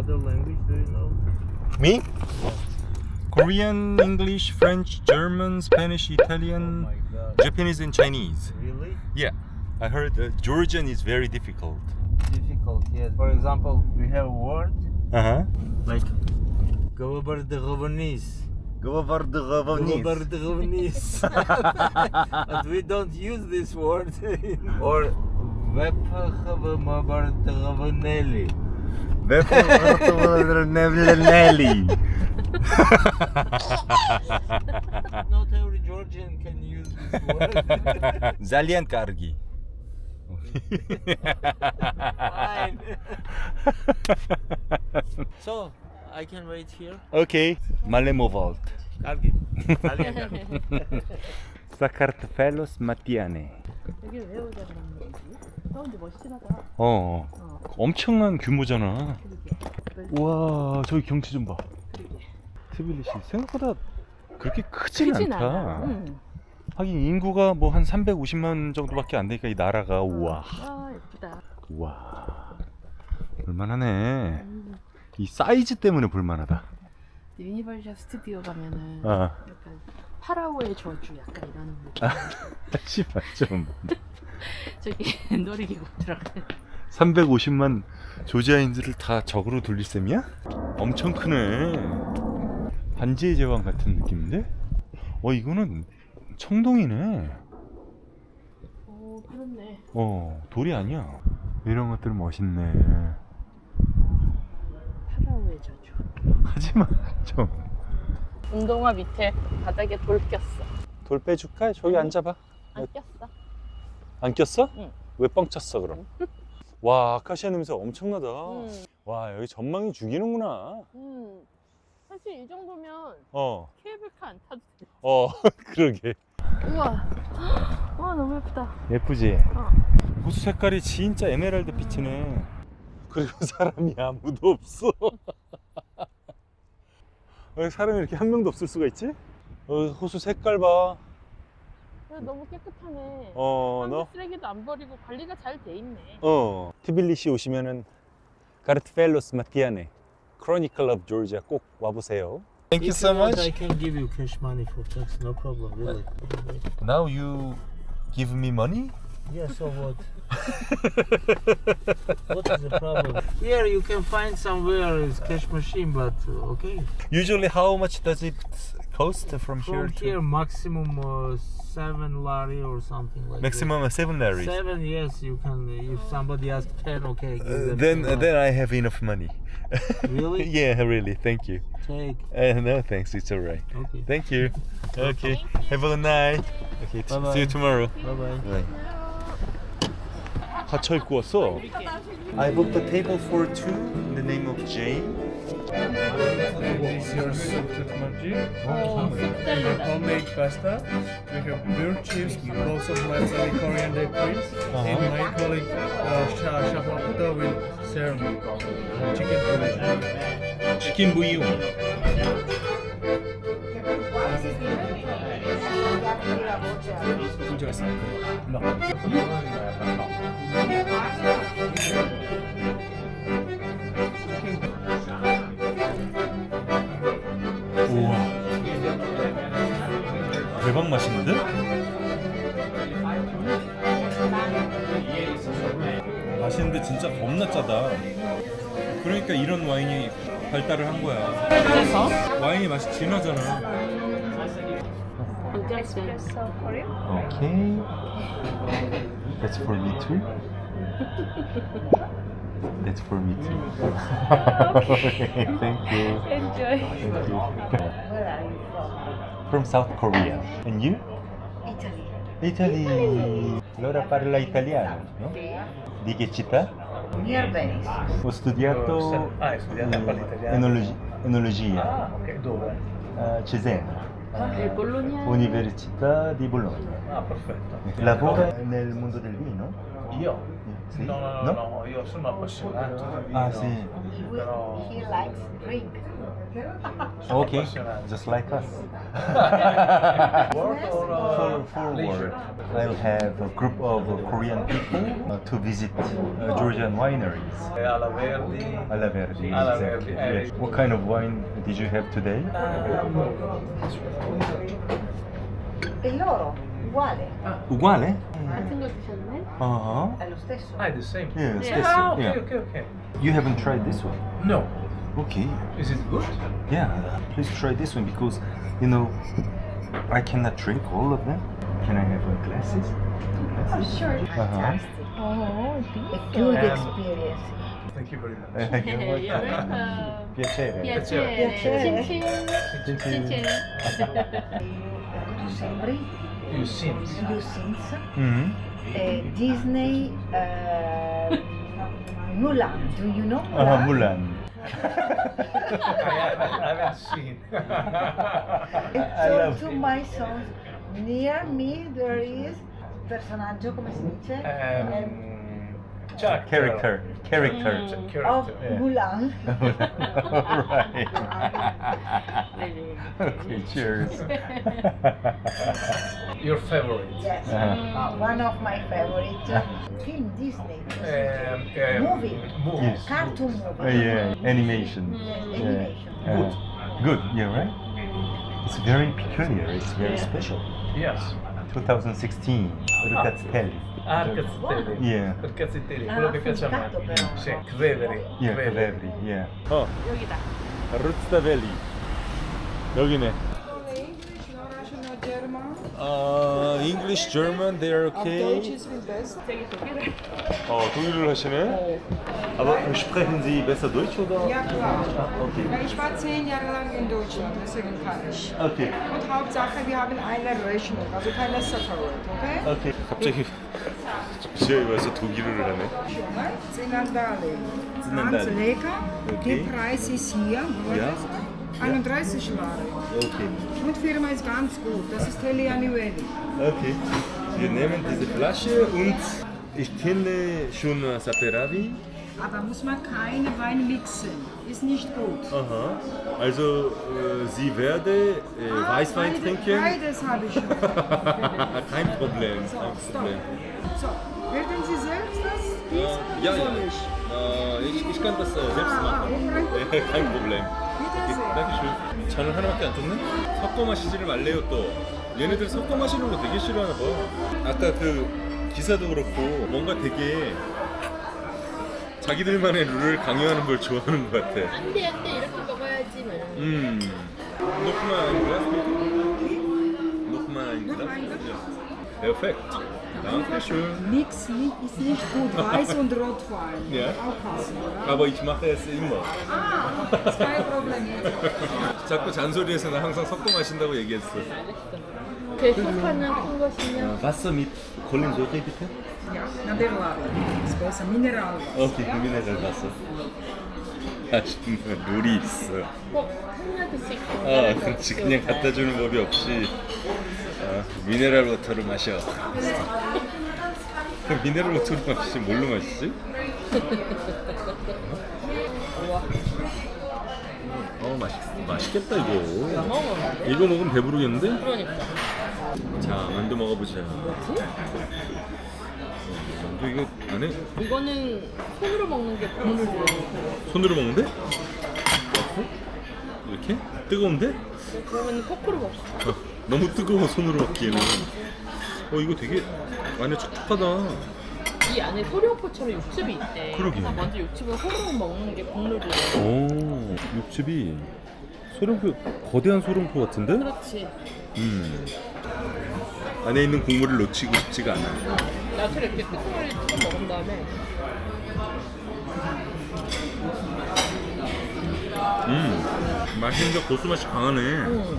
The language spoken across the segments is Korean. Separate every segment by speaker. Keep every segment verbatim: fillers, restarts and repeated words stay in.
Speaker 1: other language do you know?
Speaker 2: Me? Korean, English, French, German, Spanish, Italian,
Speaker 1: Oh my god.
Speaker 2: Japanese and Chinese.
Speaker 1: Really?
Speaker 2: Yeah, I heard uh, Georgian is very difficult.
Speaker 1: Difficult, yes. For example, we have a word
Speaker 2: Uh-huh.
Speaker 1: like Govardhavanis.
Speaker 2: Govardhavanis.
Speaker 1: Govardhavanis. But we don't use this word. Or Vephavamabardhavaneli. Not every Georgian can use this word.
Speaker 2: Zalyan Kargi.
Speaker 1: Fine. So, I can wait here.
Speaker 2: Okay. Malemovalt.
Speaker 1: Kargi. Italian.
Speaker 2: Sakartfelos Matiane.
Speaker 3: 여기를 왜 오자 그런 거지? 어, 근데 멋있긴 하다.
Speaker 2: 어,
Speaker 3: 어,
Speaker 2: 엄청난 규모잖아.
Speaker 3: 그러게.
Speaker 2: 우와, 저기 경치 좀 봐.
Speaker 3: 그러게.
Speaker 2: 트빌리시 생각보다 그렇게 크진,
Speaker 3: 크진
Speaker 2: 않다.
Speaker 3: 않아. 응.
Speaker 2: 하긴 인구가 뭐 한 삼백오십만 정도밖에 안 되니까 이 나라가 우와.
Speaker 3: 아, 예쁘다.
Speaker 2: 우와. 볼만하네.
Speaker 3: 음.
Speaker 2: 이 사이즈 때문에 볼만하다.
Speaker 3: 유니버셜 스튜디오 가면은
Speaker 2: 아.
Speaker 3: 약간 파라오의 저주 약간 이런 느낌.
Speaker 2: 아, 씨발 좀.
Speaker 3: 저기 놀이기구 들어가는.
Speaker 2: 삼백오십만 조지아인들을 다 적으로 돌릴 셈이야? 엄청 크네. 반지의 제왕 같은 느낌인데? 어, 이거는 청동이네.
Speaker 3: 오, 그렇네.
Speaker 2: 어, 돌이 아니야. 이런 것들 멋있네.
Speaker 3: 파라오의 저주.
Speaker 2: 하지마 좀.
Speaker 3: 운동화 밑에 바닥에 돌 꼈어.
Speaker 2: 돌 빼줄까? 저기 앉아봐.
Speaker 3: 안 꼈어.
Speaker 2: 안 꼈어?
Speaker 3: 응.
Speaker 2: 왜 뻥 쳤어 그럼? 와, 아카시아 냄새 엄청나다.
Speaker 3: 음.
Speaker 2: 와, 여기 전망이 죽이는구나.
Speaker 3: 음. 사실 이 정도면
Speaker 2: 어,
Speaker 3: 케이블카 안 타도 돼.
Speaker 2: 어, 그러게.
Speaker 3: 우와. 와, 너무 예쁘다.
Speaker 2: 예쁘지?
Speaker 3: 어.
Speaker 2: 호수 색깔이 진짜 에메랄드 빛이네. 그리고 사람이 아무도 없어. 왜 사람이 이렇게 한 명도 없을 수가 있지? 어, 호수 색깔 봐.
Speaker 3: 근데 너무 깨끗하네.
Speaker 2: 어,
Speaker 3: 사람들
Speaker 2: 너?
Speaker 3: 쓰레기도 안 버리고 관리가 잘 돼 있네.
Speaker 2: 어. 티빌리시 오시면은 가르트펠로스 마티아네 크로니클 오브 조지아 꼭 와보세요. Thank
Speaker 1: If you want, I can give you cash money for tax, no problem, really.
Speaker 2: Now you give me money?
Speaker 1: Yeah, so what? What is the problem? Here you can find somewhere is cash machine, but uh, okay.
Speaker 2: Usually how much does it cost from here
Speaker 1: From
Speaker 2: to?
Speaker 1: here, maximum uh, seven lari or something like
Speaker 2: Maximum seven
Speaker 1: that.
Speaker 2: laris.
Speaker 1: Seven, yes, you can. If somebody asks ten, okay. Give
Speaker 2: Uh,
Speaker 1: them
Speaker 2: then
Speaker 1: ten
Speaker 2: then I have enough money.
Speaker 1: Really?
Speaker 2: Yeah, really. Thank you.
Speaker 1: Take.
Speaker 2: Uh, no, thanks. It's alright.
Speaker 1: Okay.
Speaker 2: Thank you. Okay. Have a good night. Okay. t-
Speaker 1: Bye-bye.
Speaker 2: See you tomorrow.
Speaker 1: Bye bye.
Speaker 2: Bye. 갇혀 입고 왔어. I booked a table for two in the name of Jane.
Speaker 4: This is your salted margin. Homemade pasta. We have beer chips, lots of balsamic coriander queens. And my colleague uh, Shah Shafaputa will serve chicken bouillon.
Speaker 2: 치킨 부이용. 우와. 대박 맛있는데? 맛있는데 진짜 겁나 짜다. 그러니까 이런 와인이 발달을 한 거야.
Speaker 3: 그래서?
Speaker 2: 와인이 맛이 진하잖아. Okay. That's for me too. That's for me too. Okay. Thank you.
Speaker 3: Enjoy.
Speaker 2: Thank you. From South Korea. And you?
Speaker 5: Italy.
Speaker 2: Italy. Allora parla italiano, no? Di che città?
Speaker 5: Near Venice.
Speaker 2: Ho studiato
Speaker 4: Ah, hai studiato a parte italiano?
Speaker 2: enologi- enologia
Speaker 4: Ah, ok. Dove?
Speaker 2: a Cesena,
Speaker 3: 네, 볼로냐.
Speaker 2: Università di Bologna.
Speaker 4: Ah, perfetto.
Speaker 2: Lavora nel mondo del vino?
Speaker 4: Io?
Speaker 2: Sì?
Speaker 4: No, no, no, no, io sono appassionato di vino.
Speaker 2: Ah sì.
Speaker 5: we, he likes drink.
Speaker 2: Okay, just like us.
Speaker 1: Work or uh,
Speaker 2: For, for work, I'll have a group of uh, Korean people uh, to visit uh, Georgian wineries.
Speaker 1: Alla Verdi?
Speaker 2: Alla Verdi,
Speaker 1: Alla
Speaker 2: exactly.
Speaker 1: Verdi.
Speaker 2: Yes. What kind of wine did you have today?
Speaker 5: E loro, uguale,
Speaker 2: Uguale?
Speaker 3: 같은 거 드셨네?
Speaker 2: Uh-huh.
Speaker 5: è lo stesso.
Speaker 4: Ah, the same.
Speaker 2: Yeah, it's
Speaker 3: Yeah.
Speaker 2: this
Speaker 4: Ah,
Speaker 2: one.
Speaker 4: okay,
Speaker 2: Yeah.
Speaker 4: okay, okay.
Speaker 2: You haven't tried this one?
Speaker 4: No.
Speaker 2: Okay.
Speaker 4: Is it good?
Speaker 2: Yeah, please try this one because, you know, I cannot drink all of them. Can I have uh, glasses? Two glasses?
Speaker 5: Sure.
Speaker 2: Uh-huh.
Speaker 3: 어,
Speaker 5: A good experience.
Speaker 4: Thank you very much.
Speaker 2: Thank you.
Speaker 3: 예,
Speaker 2: Piacere.
Speaker 3: piacere.
Speaker 5: Piacere.
Speaker 3: 친친. 친친.
Speaker 5: Tu sembri
Speaker 4: You seems.
Speaker 5: You Sims,
Speaker 2: Mm-hmm.
Speaker 5: eh, Disney, eh, Mulan, do you know
Speaker 2: Uh,
Speaker 5: Mulan?
Speaker 2: Mulan.
Speaker 4: I haven't, I haven't seen.
Speaker 2: I
Speaker 5: So
Speaker 2: love
Speaker 5: to
Speaker 2: it.
Speaker 5: my sons, near me there is personaggio, come si dice?
Speaker 4: um, Chuck.
Speaker 2: Character. Character.
Speaker 3: Mm.
Speaker 4: Character.
Speaker 5: Of
Speaker 2: Yeah.
Speaker 5: Mulan.
Speaker 2: Alright.
Speaker 3: 네네.
Speaker 2: Okay, cheers.
Speaker 4: Your favorite?
Speaker 5: Yes,
Speaker 2: Uh-huh.
Speaker 5: one of my favorite uh, film Disney.
Speaker 4: Um, um,
Speaker 5: Movie.
Speaker 4: movie.
Speaker 2: Yes.
Speaker 5: Cartoon
Speaker 2: Uh,
Speaker 5: movie.
Speaker 2: yeah, animation.
Speaker 5: Yes,
Speaker 2: Yeah.
Speaker 5: animation.
Speaker 2: Uh, good, yeah, right? It's very peculiar, it's very
Speaker 3: Yeah.
Speaker 2: special.
Speaker 4: Yes.
Speaker 2: twenty sixteen, Ricazzelli.
Speaker 4: Ah, Cazzettelli.
Speaker 2: Yeah.
Speaker 4: Per Cazzettelli,
Speaker 5: Ah,
Speaker 4: quello che piace a me.
Speaker 5: affrontato però.
Speaker 4: Sì, Creveri.
Speaker 2: Yeah, Caveri, yeah. Oh,
Speaker 3: 여기다.
Speaker 2: Ruzzavelli. 여기네.
Speaker 6: English, no Russian, no German.
Speaker 2: Uh, English, German, they're
Speaker 6: Auf Deutsch
Speaker 2: okay.
Speaker 6: ist viel besser.
Speaker 3: 되게 독일을.
Speaker 2: 어, 독일을 하시네? Aber sprechen Sie besser Deutsch oder?
Speaker 6: Ja, klar.
Speaker 2: Okay.
Speaker 6: Weil ich war zehn Jahre lang in Deutschland, deswegen kann ich.
Speaker 2: Okay.
Speaker 6: Und Hauptsache, wir haben eine Rechnung, also keine Separate, okay?
Speaker 2: Okay. 갑자기 지하에 와서 독일어를 하네.
Speaker 6: Zinandali.
Speaker 2: Zinandali.
Speaker 6: Ganz lecker.
Speaker 2: Okay.
Speaker 6: Der Preis ist hier,
Speaker 2: Ja.
Speaker 6: einunddreißig Lire.
Speaker 2: Okay.
Speaker 6: Und Firma ist ganz gut, das ist Helianivelli.
Speaker 2: Okay. Wir nehmen diese Flasche und ich kenne schon Saperavi.
Speaker 6: Aber muss man keine Wein mixen, ist nicht gut.
Speaker 2: Aha. Also äh, sie werde äh,
Speaker 6: Ah,
Speaker 2: Weißwein
Speaker 6: beide-
Speaker 2: trinken.
Speaker 6: Beides habe ich schon.
Speaker 2: Kein Problem.
Speaker 6: So,
Speaker 2: Kein
Speaker 6: stopp.
Speaker 2: Problem.
Speaker 6: So, werden Sie selbst das gießen
Speaker 2: ja,
Speaker 6: oder
Speaker 2: ja.
Speaker 6: soll ich?
Speaker 2: Äh, ich, ich kann das äh, selbst
Speaker 6: Ah,
Speaker 2: machen.
Speaker 6: okay.
Speaker 2: Kein Problem.
Speaker 6: Bitte sehr.
Speaker 2: 땡큐. 잔을 하나밖에 안 줬네? 섞어 마시지를 말래요 또. 얘네들 섞어 마시는 거 되게 싫어하나 봐. 아까 그 기사도 그렇고 뭔가 되게 자기들만의 룰을 강요하는 걸 좋아하는 것 같아.
Speaker 3: 안돼 안돼 이렇게 먹어야지. 뭐.
Speaker 2: 음. Nochmal ein Glas bitte. Nochmal ein Glas.
Speaker 6: ein Glas.
Speaker 2: Ja. Perfekt. Dankeschön.
Speaker 6: Nix ni- ist nicht gut, Weiß und Rotwein.
Speaker 2: Ja.
Speaker 6: Aufpassen, oder?
Speaker 2: Aber ich mache es immer.
Speaker 6: Ah, ist kein Problem.
Speaker 2: 자꾸 잔소리해서 나 항상 섞어 마신다고 얘기했어.
Speaker 3: 그 소파는 큰 것이면
Speaker 2: Wasser mit Kohlensäure bitte.
Speaker 6: Ja, na der Lage. Ist besser, Mineralwasser.
Speaker 2: 오케이, 미네랄 맛있는 룰이 있어.
Speaker 3: 꼭 한 잔씩
Speaker 2: 아, 그렇지. 그냥 갖다 주는 법이 없이 아, 미네랄 워터를 마셔. 그럼 미네랄 워터를 마시지 뭘로 마시지? 어, 맛있, 맛있겠다 이거.
Speaker 3: 먹어.
Speaker 2: 이거 먹으면 배부르겠는데?
Speaker 3: 그러니까.
Speaker 2: 자, 만두 먹어보자.
Speaker 3: 뭐지?
Speaker 2: 만두 이거 안에
Speaker 3: 이거는 손으로 먹는 게 국물 들어있는 거.
Speaker 2: 손으로 먹는데? 어? 이렇게? 뜨거운데?
Speaker 3: 그러면 포크로 먹자.
Speaker 2: 어, 너무 뜨거워 손으로 먹기에는. 어 이거 되게 안에 촉촉하다.
Speaker 3: 이 안에 소룡포처럼 육즙이 있대.
Speaker 2: 그러게.
Speaker 3: 그래서 먼저 육즙을 호로록 먹는 게 국물이래.
Speaker 2: 오 육즙이 소룡포 거대한 소룡포 같은데?
Speaker 3: 그렇지.
Speaker 2: 음 안에 있는 국물을 놓치고 싶지가 않아.
Speaker 3: 나처럼 이렇게 끄트머리 찍어 먹은 다음에
Speaker 2: 음 맛있는데 고수 맛이 강하네.
Speaker 3: 음.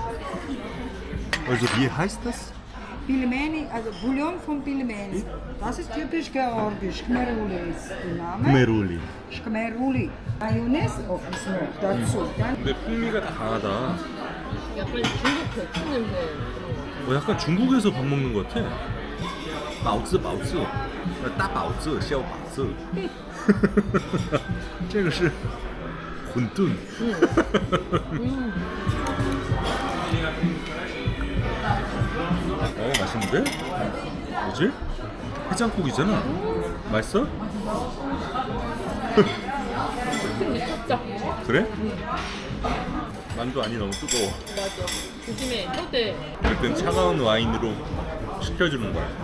Speaker 2: Also wie heißt das?
Speaker 6: Pilmeni, also Bouillon von Pilmeni. Das ist typisch georgisch. Khmeruli ist der Name.
Speaker 2: 메롤리.
Speaker 6: Khmeruli. Mayonnaise oh, ist noch dazu. Dann
Speaker 2: 근데 풍미가 강하다.
Speaker 3: 약간 중국 배추 냄새 그런 거.
Speaker 2: 어, 약간 중국에서 밥 먹는 것 같아. 마우스 마우스. 따 마우스, 샤오 마우스. 这个是馄饨。 어 맛있는데? 뭐지? 해장국이잖아. 맛있어?
Speaker 3: 미쳤죠?
Speaker 2: 그래? 만두 안이 너무 뜨거워.
Speaker 3: 맞아. 조심해. 혀대.
Speaker 2: 일단 차가운 와인으로 식혀주는 거야.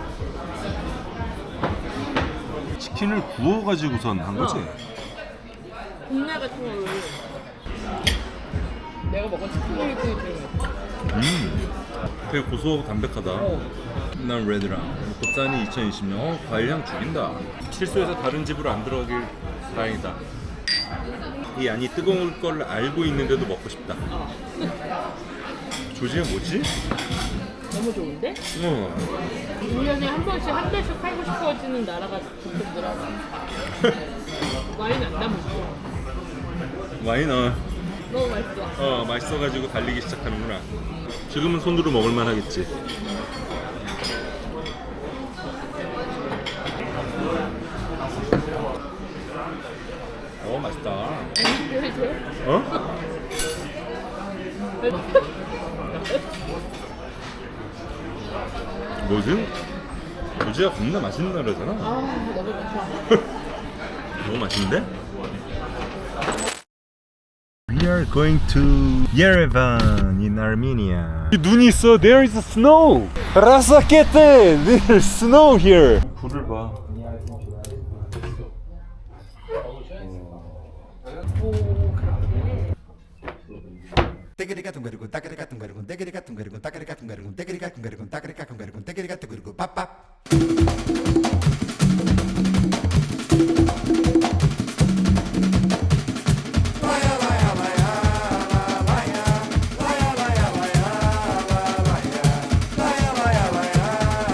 Speaker 2: 치킨을 구워가지고선 한 거지?
Speaker 3: 국내 같은 걸로. 내가 먹은 치킨 요리 중에 제일 맛있어.
Speaker 2: 음, 되게 고소하고 담백하다. 난 레드랑 곱산이 이천이십 년 어, 과일향 죽인다. 실수해서 다른 집으로 안 들어가길 다행이다. 이 안이 뜨거울 걸 알고 있는데도 먹고 싶다. 조지가 뭐지?
Speaker 3: 너무 좋은데?
Speaker 2: 어.
Speaker 3: 일 년에 한 번씩 한 달씩 팔고 싶어지는 나라가 점점 늘어나. 와인 안 남았어.
Speaker 2: 와인 어,
Speaker 3: 너무 맛있어.
Speaker 2: 어 맛있어가지고 달리기 시작하는구나. 지금은 손으로 먹을만 하겠지. 어 맛있다. 어? 뭐지? 조지가 겁나 맛있는 나라잖아.
Speaker 3: 아 너무 좋다.
Speaker 2: 너무 맛있는데? We are going to Yerevan in Armenia. 눈이 있어. There is snow. 라사케테. There's snow here. 불을 봐.
Speaker 7: Tegerigatungarugun, takarigatungarugun, tegerigatungarugun, takarigatungarugun, tegerigatungarugun, takarigatungarugun, tegerigatungarugun, papap.